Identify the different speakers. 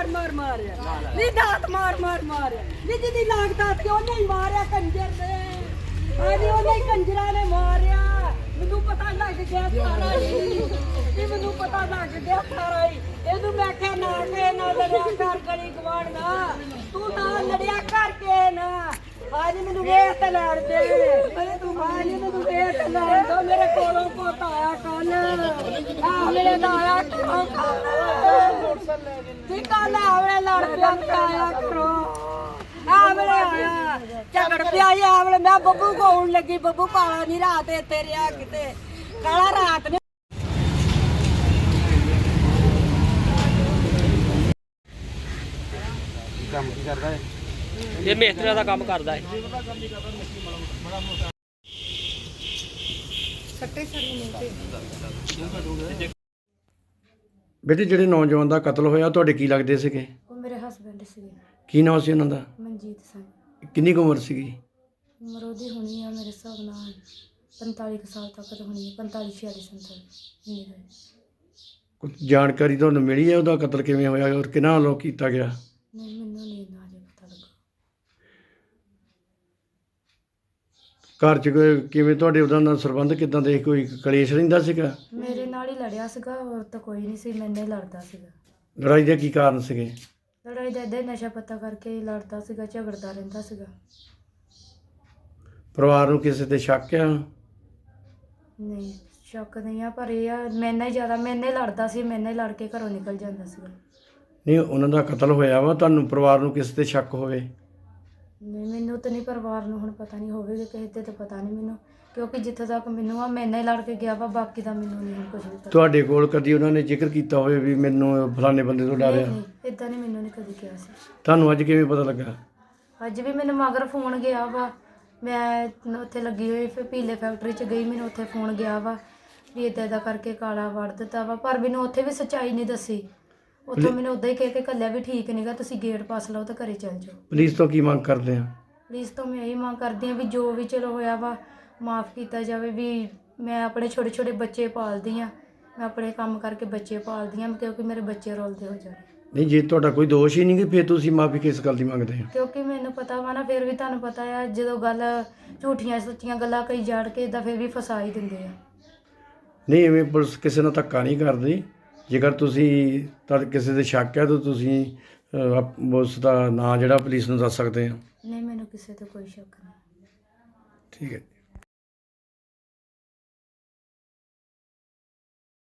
Speaker 1: ਮਾਰ ਮਾਰਿਆ ਨੀ ਦਾਤ ਮਾਰ ਮਾਰ ਮਾਰਿਆ ਨੀ ਜਿਹਦੀ ਲਾਗਤਾ ਸੀ ਉਹਨੇ ਹੀ ਮਾਰਿਆ ਕੰਜਰ ਨੇ ਆਜੀ ਉਹਨੇ ਹੀ ਕੰਜਰਾਂ ਨੇ ਮਾਰਿਆ ਮੈਨੂੰ ਪਤਾ ਲੱਗ ਗਿਆ ਸਾਰਾ ਹੀ ਮੈਨੂੰ ਪਤਾ ਲੱਗ ਗਿਆ ਸਾਰਾ ਹੀ ਇਹਨੂੰ ਮੈਂ ਕਿਹਾ ਨਾ ਕੇ ਨਾ ਲੜਿਆ ਕਰ ਗਲੀ ਗਵਾੜ ਨਾ ਤੂੰ ਨਾ ਲੜਿਆ ਕਰਕੇ ਨਾ आज मैंने वेट लड़ दे अरे तू आज मैंने वेट लड़ दो मेरे कोलों पोता आया कल मेरे दाया करो ठीक है आवले लड़ पे आया करो आवले आया झगड़ पे आया आवले मैं बब्बू को आउन लगी बब्बू काला नहीं रात इत्थे रिया किते काला रात ने
Speaker 2: काम की करदा है
Speaker 3: ये मेस्त्रियां दा काम करदा है
Speaker 2: बेटे ਜਿਹੜੇ ਨੌਜਵਾਨ ਦਾ ਕਤਲ ਹੋਇਆ ਤੁਹਾਡੇ ਕੀ ਲੱਗਦੇ ਸੀਗੇ?
Speaker 4: ਉਹ ਮੇਰੇ ਹਸਬੰਡ ਸੀਗੇ।
Speaker 2: ਕੀ ਨਾਮ ਸੀ ਉਹਨਾਂ ਦਾ?
Speaker 4: ਮਨਜੀਤ ਸਿੰਘ।
Speaker 2: ਕਿੰਨੀ ਕੁ ਉਮਰ ਸੀਗੀ?
Speaker 4: ਉਮਰ ਉਹਦੀ ਹੋਣੀ ਆ ਮੇਰੇ ਹਿਸਾਬ ਨਾਲ 45 ਕੁ ਸਾਲ ਤੱਕ ਤਾਂ ਹੋਣੀ ਆ 45 46 ਸਾਲ ਇੰਨੀ ਕੁ।
Speaker 2: ਕੁਝ ਜਾਣਕਾਰੀ ਤੁਹਾਨੂੰ ਮਿਲੀ ਹੈ ਉਹਦਾ ਕਤਲ ਕਿਵੇਂ ਹੋਇਆ ਔਰ ਕਿਹਨਾਂ ਵੱਲੋਂ ਕੀਤਾ ਗਿਆ?
Speaker 4: ਨਹੀਂ ਮੈਨੂੰ ਨਹੀਂ ਇੰਨਾ ਅਜੇ ਪਤਾ ਲੱਗਾ।
Speaker 2: ਘਰ 'ਚ ਕਿਵੇਂ ਤੁਹਾਡੇ ਉਹਦਾ ਨਾਲ ਸੰਬੰਧ ਕਿੱਦਾਂ ਦੇ? ਕੋਈ ਕਲੇਸ਼ ਰਹਿੰਦਾ ਸੀਗਾ?
Speaker 4: ਮੇਰੇ ਨਾਲ ਹੀ ਲੜਿਆ ਸੀਗਾ ਹੋਰ ਤਾਂ ਕੋਈ ਨਹੀਂ ਸੀ ਮੈਨੇ ਹੀ ਲੜਦਾ ਸੀਗਾ।
Speaker 2: ਲੜਾਈ ਦੇ ਕੀ ਕਾਰਨ ਸੀਗੇ?
Speaker 4: ਲੜਾਈ ਦਾ ਇੱਦਾਂ ਹੀ ਨਸ਼ਾ ਪੱਤਾ ਕਰਕੇ ਹੀ ਲੜਦਾ ਸੀਗਾ ਝਗੜਦਾ ਰਹਿੰਦਾ ਸੀਗਾ।
Speaker 2: ਪਰਿਵਾਰ ਨੂੰ ਕਿਸੇ ਤੇ ਸ਼ੱਕ ਆ?
Speaker 4: ਨਹੀਂ ਸ਼ੱਕ ਨਹੀਂ ਆ ਪਰ ਇਹ ਆ ਮੈਨੇ ਹੀ ਜ਼ਿਆਦਾ ਮੈਨੇ ਲੜਦਾ ਸੀ ਮੈਨੇ ਲੜ ਕੇ ਘਰੋਂ ਨਿਕਲ ਜਾਂਦਾ ਸੀਗਾ।
Speaker 2: ਨਹੀਂ ਉਹਨਾਂ ਦਾ ਕਤਲ ਹੋਇਆ ਵਾ ਤੁਹਾਨੂੰ ਪਰਿਵਾਰ ਨੂੰ ਕਿਸੇ ਤੇ ਸ਼ੱਕ ਹੋਵੇ?
Speaker 4: ਨਹੀਂ ਮੈਨੂੰ ਤਾਂ ਨਹੀਂ ਪਰਿਵਾਰ ਨੂੰ ਹੁਣ ਪਤਾ ਨਹੀਂ ਹੋਵੇਗਾ ਕਿਸੇ ਤੇ ਤਾਂ ਪਤਾ ਨਹੀਂ ਮੈਨੂੰ ਕਿਉਂਕਿ ਜਿੱਥੇ ਤੱਕ ਮੈਨੂੰ ਆ ਮੈਨੇ ਲੜ ਕੇ ਗਿਆ ਵਾ ਬਾਕੀ ਦਾ ਮੈਨੂੰ ਨਹੀਂ ਕੁਝ ਵੀ ਪਤਾ।
Speaker 2: ਤੁਹਾਡੇ ਕੋਲ ਕਦੀ ਉਹਨਾਂ ਨੇ ਜ਼ਿਕਰ ਕੀਤਾ ਹੋਵੇ ਵੀ ਮੈਨੂੰ ਫਲਾਣੇ ਬੰਦੇ ਤੋਂ ਡਰਿਆ?
Speaker 4: ਨਹੀਂ ਇਦਾਂ ਨਹੀਂ ਮੈਨੂੰ ਨਹੀਂ ਕਦੀ ਕਿਹਾ ਸੀ।
Speaker 2: ਤੁਹਾਨੂੰ ਅੱਜ ਕਿਵੇਂ ਪਤਾ ਲੱਗਾ?
Speaker 4: ਅੱਜ ਵੀ ਮੈਨੂੰ ਮਗਰ ਫੋਨ ਗਿਆ ਵਾ ਮੈਂ ਉੱਥੇ ਲੱਗੀ ਹੋਈ ਫਿਰ ਪੀਲੇ ਫੈਕਟਰੀ 'ਚ ਗਈ ਮੈਨੂੰ ਉੱਥੇ ਫੋਨ ਗਿਆ ਵਾ ਵੀ ਇੱਦਾਂ ਦਾ ਕਰਕੇ ਕਾਲਾ ਵੜ ਦਿੱਤਾ ਵਾ ਪਰ ਮੈਨੂੰ ਉੱਥੇ ਵੀ ਸੱਚਾਈ ਨਹੀਂ ਦੱਸੀ। ਉੱਥੋਂ ਮੈਨੂੰ ਉੱਦਾਂ ਹੀ ਕਹਿ ਕੇ ਘੱਲਿਆ ਵੀ ਠੀਕ ਨਹੀਂਗਾ ਤੁਸੀਂ ਗੇਟ ਪਾਸ ਲਓ ਤਾਂ ਘਰੇ ਚੱਲ ਜਾਓ।
Speaker 2: ਪੁਲਿਸ ਤੋਂ ਕੀ ਮੰਗ ਕਰਦੇ ਆ?
Speaker 4: ਪੁਲਿਸ ਤੋਂ ਮੈਂ ਇਹੀ ਮੰਗ ਕਰਦੀ ਹਾਂ ਵੀ ਜੋ ਵੀ ਚਲੋ ਹੋਇਆ ਵਾ ਮਾफ़ ਕੀਤਾ ਜਾਵੇ ਵੀ ਮੈਂ ਆਪਣੇ ਛੋਟੇ ਛੋਟੇ ਬੱਚੇ ਪਾਲਦੀ ਹਾਂ ਮੈਂ ਆਪਣੇ ਕੰਮ ਕਰਕੇ ਬੱਚੇ ਪਾਲਦੀ ਹਾਂ ਕਿਉਂਕਿ ਮੇਰੇ ਬੱਚੇ ਰੋਲਦੇ ਹੋ ਜਾਣੇ।
Speaker 2: ਨਹੀਂ ਜੇ ਤੁਹਾਡਾ ਕੋਈ ਦੋਸ਼ ਹੀ ਨਹੀਂ ਕਿ ਫਿਰ ਤੁਸੀਂ ਮਾਫੀ ਕਿਸ ਗੱਲ ਦੀ ਮੰਗਦੇ ਆ?
Speaker 4: ਕਿਉਂਕਿ ਮੈਨੂੰ ਪਤਾ ਵਾ ਨਾ ਫਿਰ ਵੀ ਤੁਹਾਨੂੰ ਪਤਾ ਆ ਜਦੋਂ ਗੱਲ ਝੂਠੀਆਂ ਸੱਚੀਆਂ ਗੱਲਾਂ ਕਈ ਜੜ ਕੇ ਇੱਦਾਂ ਫਿਰ ਵੀ ਫਸਾ ਹੀ ਦਿੰਦੇ ਆ।
Speaker 2: ਨਹੀਂ ਐਵੇਂ ਪੁਲਿਸ ਕਿਸੇ ਨਾਲ ਧੱਕਾ ਨਹੀਂ ਕਰਦੀ। ਜੇਕਰ ਤੁਸੀਂ ਕਿਸੇ ਦੇ ਸ਼ੱਕ ਹੈ ਤਾਂ ਤੁਸੀਂ ਉਸ ਦਾ ਨਾਂ ਜਿਹੜਾ ਪੁਲਿਸ ਨੂੰ ਦੱਸ ਸਕਦੇ ਆ।
Speaker 4: ਨਹੀਂ ਮੈਨੂੰ ਕਿਸੇ ਤੇ ਕੋਈ ਸ਼ੱਕ ਨਹੀਂ।
Speaker 2: ਠੀਕ ਹੈ।